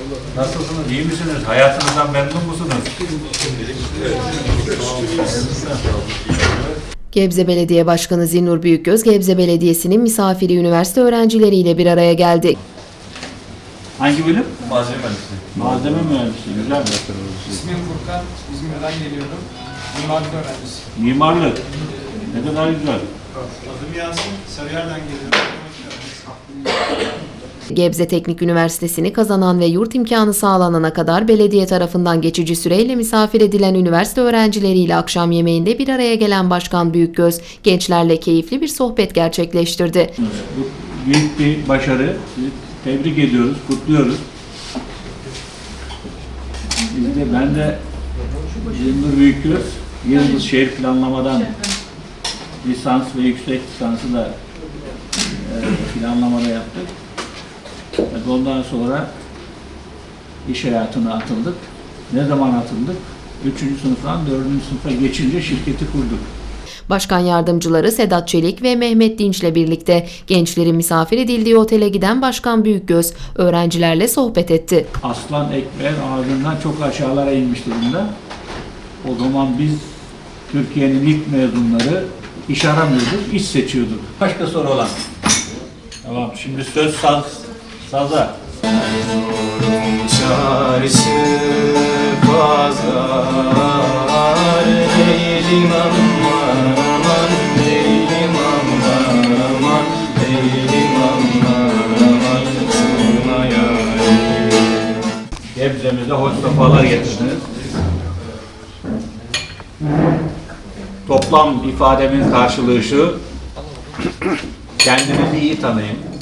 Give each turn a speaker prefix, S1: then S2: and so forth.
S1: Nasılsınız? İyi misiniz? Hayatınızdan memnun musunuz?
S2: Gebze Belediye Başkanı Zinnur Büyükgöz, Gebze Belediyesi'nin misafiri üniversite öğrencileriyle bir araya geldi.
S1: Hangi bölüm?
S3: Malzeme mühendisliği.
S1: Malzeme mühendisliği. Güzel bir
S4: İsmim Furkan, İzmir'den geliyorum. Mimarlık öğrencisi.
S1: Mimarlık. Ne kadar güzel.
S4: Adım Yasin, Sarıyer'den geliyorum.
S2: Gebze Teknik Üniversitesi'ni kazanan ve yurt imkanı sağlanana kadar belediye tarafından geçici süreyle misafir edilen üniversite öğrencileriyle akşam yemeğinde bir araya gelen Başkan Büyükgöz, gençlerle keyifli bir sohbet gerçekleştirdi.
S1: Bu büyük bir başarı. Tebrik ediyoruz, kutluyoruz. Ben de Zinnur Büyükgöz, Yıldız Şehir Planlamadan lisans ve yüksek lisansı da planlamada yaptık. Ondan sonra iş hayatına atıldık. Ne zaman atıldık? 3. sınıftan 4. sınıfa geçince şirketi kurduk.
S2: Başkan yardımcıları Sedat Çelik ve Mehmet Dinç'le birlikte gençlerin misafir edildiği otele giden Başkan Büyükgöz, öğrencilerle sohbet etti.
S1: Aslan ekmeğin ağzından çok aşağılara inmiş durumda. O zaman biz Türkiye'nin ilk mezunları iş aramıyorduk, iş seçiyorduk. Başka soru olan? Tamam, şimdi söz saza.
S3: Çaresi pazar değilim aman değilim aman değilim aman sığına yarim.
S1: Gebze'mize hoş sefalar getirdiniz. Toplam ifademin karşılığı şu: kendinizi iyi tanıyın.